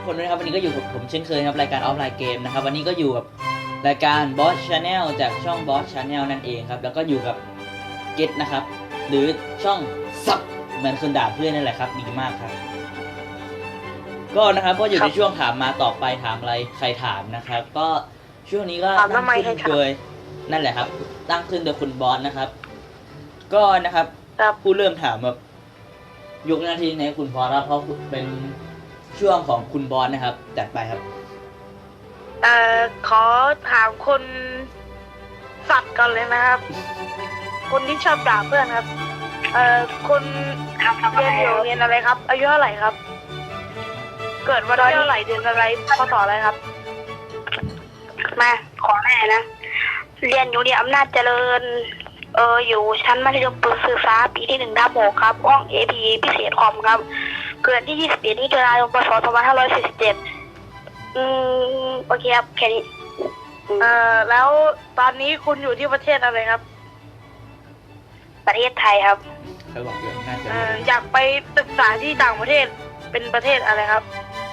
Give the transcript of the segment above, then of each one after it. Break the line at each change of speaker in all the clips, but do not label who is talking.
คนด้วยนะครับวันนี้ก็อยู่กับผมเช่นเคยครับรายการออฟไลน์เกมนะครับวันนี้ก็อยู่กับรายการ Boss Channel จากช่อง Boss Channel นั่นเองครับแล้วก็อยู่กับเกตนะครับหรือช่องซับเหมือนคนด่าเพื่อนนั่นแหละครับดีมากครับก็นะครับก็อยู่ในช่วงถามมาตอบไปถามอะไรใครถามนะครับก็ช่วงนี้ก็ตั้งขึ้นโดยนั่นแหละครับตั้งขึ้นโดยคุณบอสนะครับก็นะครับผู้เริ่มถามแบบยกหน้าที่ในคุณบอสครับเพราะเป็นช่วงของคุณบอสนะครับจัดไปครับ
ขอถามคนสัตว์ก่อนเลยนะครับ คนที่ชอบด่าเพื่อนครับคนเรียนอยู่โรงเรียนอะไรครับอายุเท่าไหร่ครับเกิดวันที่เท่าไหร่เดือนอะไรพศอะไรครับ
มาขอแม่นะเรียนอยู่ที่อำนาจเจริญอยู่ชั้นมัธยมศึกษาปีที่1/6ครับห้อง AP พิเศษคอมครับเกิดที่21มิถุนายนพศ2547โอเคครับแค่นี้
แล้วตอนนี้คุณอยู่ที่ประเทศอะไรครับ
ประเทศไทยครับ
เขาบอกอยู่น่าจะ
อยากไปศึกษาที่ต่างประเทศเป็นประเทศอะไรครับ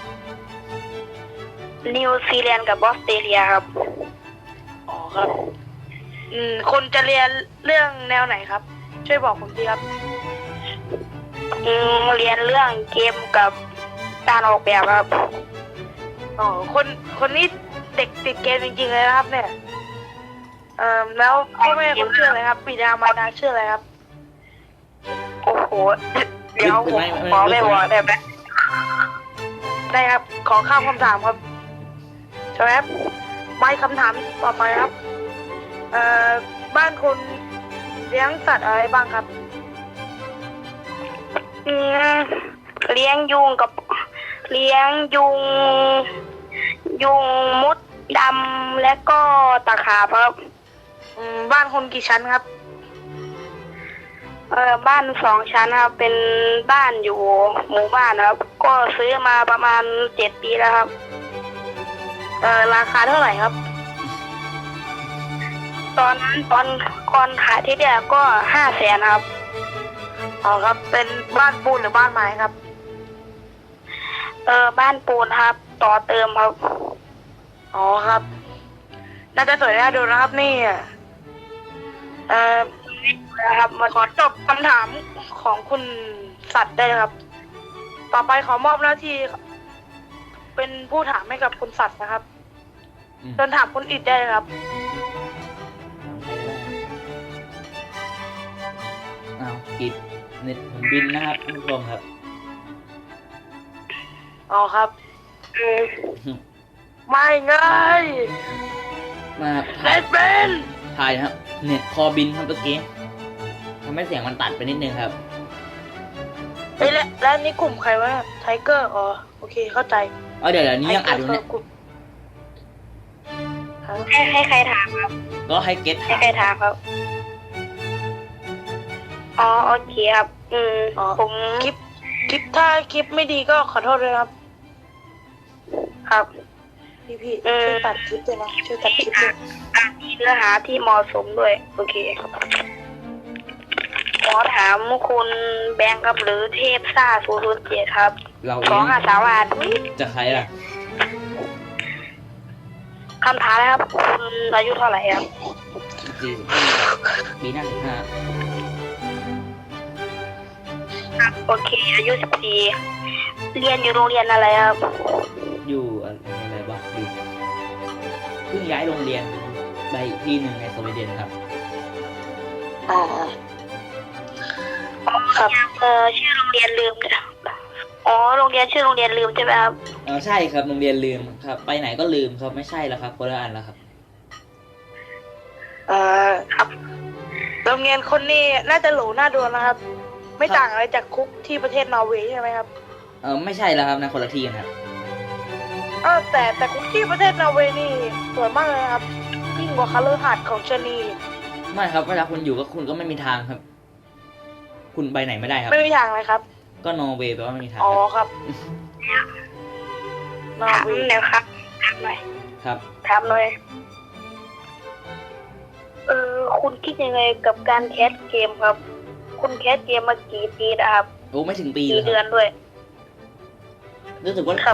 นิวซีแลนด์กับออสเตรเลียครับ
อ๋อครับคนจะเรียนเรื่องแนวไหนครับช่วยบอกผมทีครับ
เรียนเรื่องเกมกับการออกแบบครับ
อ๋อคนนี้เด็กติดเกมจริงๆเลยนะครับเนี่ยแล้วพ่อแม่คุณชื่ออะไรครับบิดามารดาชื่ออะไรครับ
โอ้โหเดี๋ยวผมขอไม่บอกได้ไหม
ได้ครับขอข้ามคำถามครับใช่ไหมครับไม่คำถามต่อไปครับบ้านคุณเลี้ยงสัตว์อะไรบ้างครับ
เลี้ยงยุงกับเลี้ยงยุงมดดำและก็ตะขาบครับ
บ้านคุณกี่ชั้นครับ
บ้าน2 ชั้นครับเป็นบ้านอยู่หมู่บ้านครับก็ซื้อมาประมาณ7 ปีแล้วครับ
ราคาเท่าไหร่ครับ
ตอนนั้นตอนก่อนขายที่แรกก็500,000ครับ
อ๋อครับเป็นบ้านปูนหรือบ้านไม้ครับ
บ้านปูนครับต่อเติมครับ
อ๋อครับน่าจะสวยน่าดูนะครับนี่
นะครับ
ขอจบคำถามของคุณสัตว์ได้ครับต่อไปขอมอบหน้าที่เป็นผู้ถามให้กับคุณสัตว์นะครับเชิญถามคุณอิดได้ครับ
อิดเน็ตผมบินนะครับท่านผู้ชมครับ
อ๋อครับไม่ง่าย
มา
ถ่ายเป็น
ถ่ายครับเน็ตคอบินครับเมื่อกี้ทำให้เสียงมันตัดไปนิดนึงครับ
แล้วนี่กลุ่มใครวะไทเกอร์อ๋อโอเคเข้าใจ
เดี๋ยวนี้ยังอัดอยู่เนี่ย
ให้ใครถามครับ
ก็ให้เกต
ให้ใครถามครับอ๋อโอเคครับผม
คลิปถ้าคลิปไม่ดีก็ขอโทษด้วยครับ
ครับ
พี่ช่วยตัดคลิปด้วยนะช่วยตัดคลิปด้วย
มีเนื้อหาที่เหมาะสมด้วยโอเคขอถามคุณแบงค์ครับหรือเทพซ่า007ครับ253 บาท
จะใครล่ะ
คำถามนะครับคุณอายุเท่าไหร่ครับ
ปีหน้า15
โอเคอายุ14เรียนอยู่โรงเรียนอะไรครับ
อยู่อะไรบ้างอยู่เพิ่งย้ายโรงเรียนไปที่หนึ่งในสวีเดนครับ
ครับชื่อโรงเรียนลืมโรงเรียนชื่อโรงเรียนลืมใช่ไหมครับ
ใช่ครับโรงเรียนลืมครับไปไหนก็ลืมครับไม่ใช่แล้วครับคนละอันแล้วครับ
ครับ
โรงเรียนคนนี้น่าจะหรูน่าดูนะครับไม่ต่างอะไรจากคุกที่ประเทศนอร์เวย์ใช่ไหมครับ
ไม่ใช่แล้วครับนะคนละที่กันครับ
แต่คุกที่ประเทศนอร์เวย์นี่สวยมากเลยครับยิ่งกว่าคาเลอร์ฮาร์ดของชนี
ไม่ครับเวลาคุณอยู่ก็คุณก็ไม่มีทางครับคุณไปไหนไม่ได้ครับ
ไม่มีทางเลยครับ
ก็นอร์เวย์แปลว่าไม่มีทาง
อ๋อครับ
นอร์เวย์แล้วครับถามหน่อย
ครับ
ถามหน่อยคุณคิดยังไงกับการแคสเกมครับคุณแคสเกมมากี่ปีนะครับ
โอ้ไม่ถึงปี
เลยครับกี่เดือนด้วย
รู้สึกว่า